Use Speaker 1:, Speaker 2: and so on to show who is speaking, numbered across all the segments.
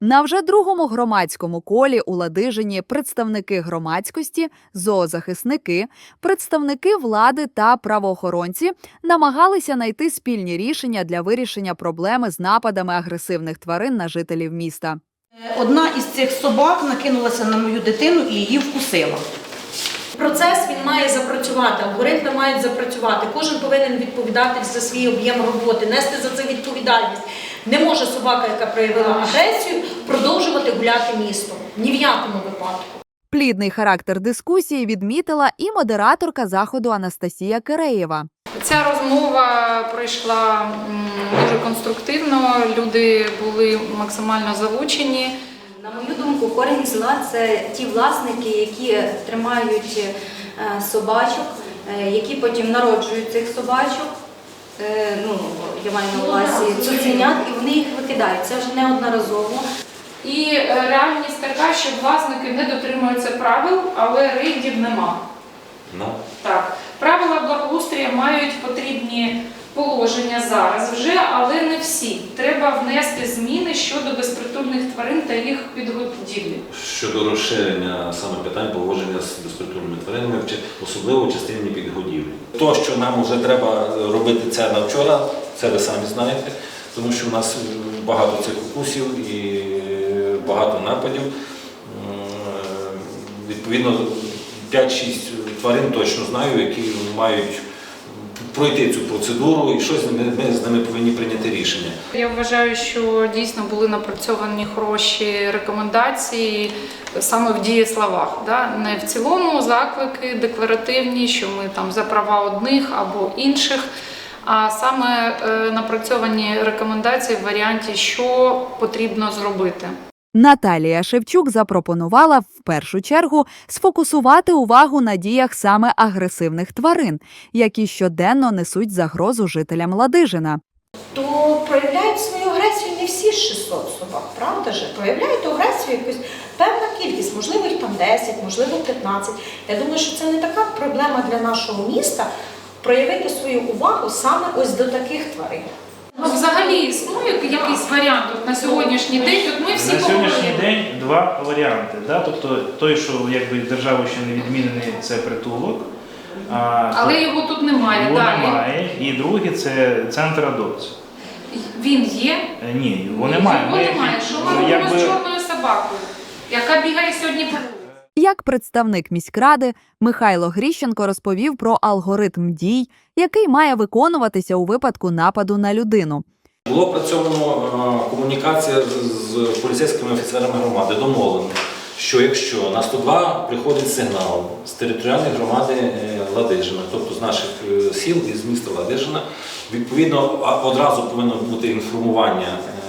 Speaker 1: На вже другому громадському колі у Ладижині представники громадськості, зоозахисники, представники влади та правоохоронці намагалися знайти спільні рішення для вирішення проблеми з нападами агресивних тварин на жителів міста.
Speaker 2: Одна із цих собак накинулася на мою дитину і її вкусила.
Speaker 3: Процес він має запрацювати, алгоритми мають запрацювати. Кожен повинен відповідати за свій об'єм роботи, нести за це відповідальність. Не може собака, яка проявила агресію, продовжувати гуляти містом. Ні в якому випадку.
Speaker 1: Плідний характер дискусії відмітила і модераторка заходу Анастасія Киреєва.
Speaker 4: Ця розмова пройшла дуже конструктивно, люди були максимально залучені.
Speaker 5: На мою думку, корінь зла – це ті власники, які тримають собачок, які потім народжують цих собачок, я маю на увазі цуценят, і вони їх викидають. Це вже неодноразово.
Speaker 4: І реальність така, що власники не дотримуються правил, але рейдів нема. Так. Правила благоустрою мають потрібні положення зараз вже, але не всі. Треба внести зміни щодо безпритульних тварин та їх підгодівлі.
Speaker 6: Щодо розширення саме питань поводження з безпритульними тваринами, особливо в частині підгодівлі. То, що нам вже треба робити це на вчора, це ви самі знаєте, тому що в нас багато цих укусів і багато нападів. Відповідно, 5-6 тварин точно знаю, які мають пройти цю процедуру і щось ми з ними повинні прийняти рішення.
Speaker 4: Я вважаю, що дійсно були напрацьовані хороші рекомендації саме в дієсловах. Не в цілому заклики декларативні, що ми там за права одних або інших, а саме напрацьовані рекомендації в варіанті, що потрібно зробити.
Speaker 1: Наталія Шевчук запропонувала в першу чергу сфокусувати увагу на діях саме агресивних тварин, які щоденно несуть загрозу жителям Ладижина.
Speaker 3: То проявляють свою агресію не всі 600 собак, правда ж? Проявляють агресію якусь певна кількість, можливо їх там 10, можливо 15. Я думаю, що це не така проблема для нашого міста проявити свою увагу саме ось до таких тварин.
Speaker 4: Взагалі існує якийсь варіант на сьогоднішній день? От ми всі
Speaker 7: на сьогоднішній день два варіанти. Тобто той, що державою ще не відмінений, це притулок.
Speaker 4: Але його тут немає.
Speaker 7: Його немає. І другий – це центр адопції.
Speaker 4: Він є?
Speaker 7: Ні, його немає.
Speaker 4: Його немає. Що ми робимо з чорною собакою, яка бігає сьогодні по вулиці?
Speaker 1: Як представник міськради, Михайло Гріщенко розповів про алгоритм дій, який має виконуватися у випадку нападу на людину.
Speaker 6: Було опрацьовано комунікація з поліцейськими офіцерами громади, домовлено, що якщо на 102 приходить сигнал з територіальної громади Ладижина, тобто з наших сіл і з міста Ладижина, відповідно одразу повинно бути інформування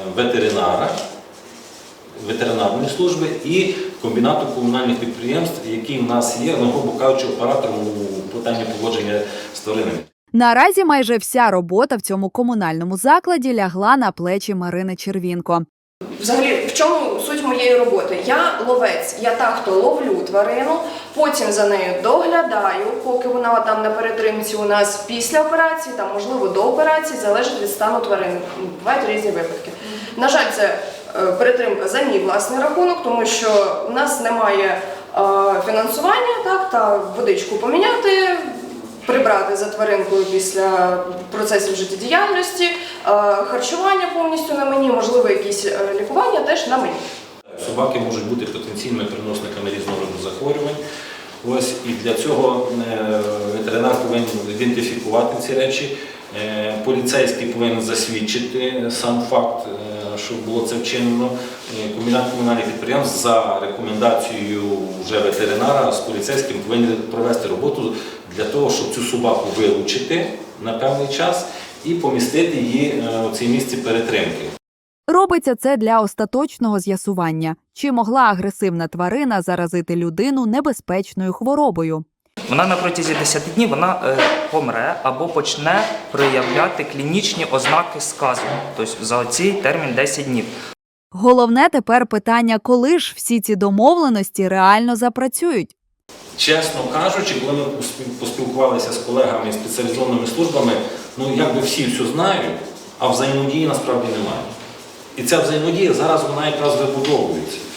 Speaker 6: ветеринарної служби і комбінату комунальних підприємств, які в нас є, грубо кажучи, оператором у питанні поводження з тваринами.
Speaker 1: Наразі майже вся робота в цьому комунальному закладі лягла на плечі Марини Червінко.
Speaker 8: Взагалі, в чому суть моєї роботи? Я ловець, я та, хто ловлю тварину, потім за нею доглядаю, поки вона там на перетримці у нас після операції, там, можливо, до операції, залежить від стану тварини. Бувають різні випадки. На жаль, це перетримка за мій власний рахунок, тому що в нас немає фінансування, та водичку поміняти, прибрати за тваринкою після процесів життєдіяльності, харчування повністю на мені, можливо, якісь лікування теж на мені.
Speaker 6: Собаки можуть бути потенційними переносниками різного роду захворювань. Ось, і для цього ветеринар повинен ідентифікувати ці речі, поліцейський повинен засвідчити сам факт, що було це вчинено. Комбінат комунальних підприємств за рекомендацією вже ветеринара з поліцейським повинен провести роботу для того, щоб цю собаку вилучити на певний час і помістити її у цій місці перетримки.
Speaker 1: Робиться це для остаточного з'ясування, чи могла агресивна тварина заразити людину небезпечною хворобою.
Speaker 9: Вона на протязі 10 днів помре або почне проявляти клінічні ознаки сказу, тобто за цей термін 10 днів.
Speaker 1: Головне тепер питання, коли ж всі ці домовленості реально запрацюють.
Speaker 6: Чесно кажучи, коли ми поспілкувалися з колегами і спеціалізованими службами, якби всі все знають, а взаємодії насправді немає. І ця взаємодія зараз вона якраз вибудовується.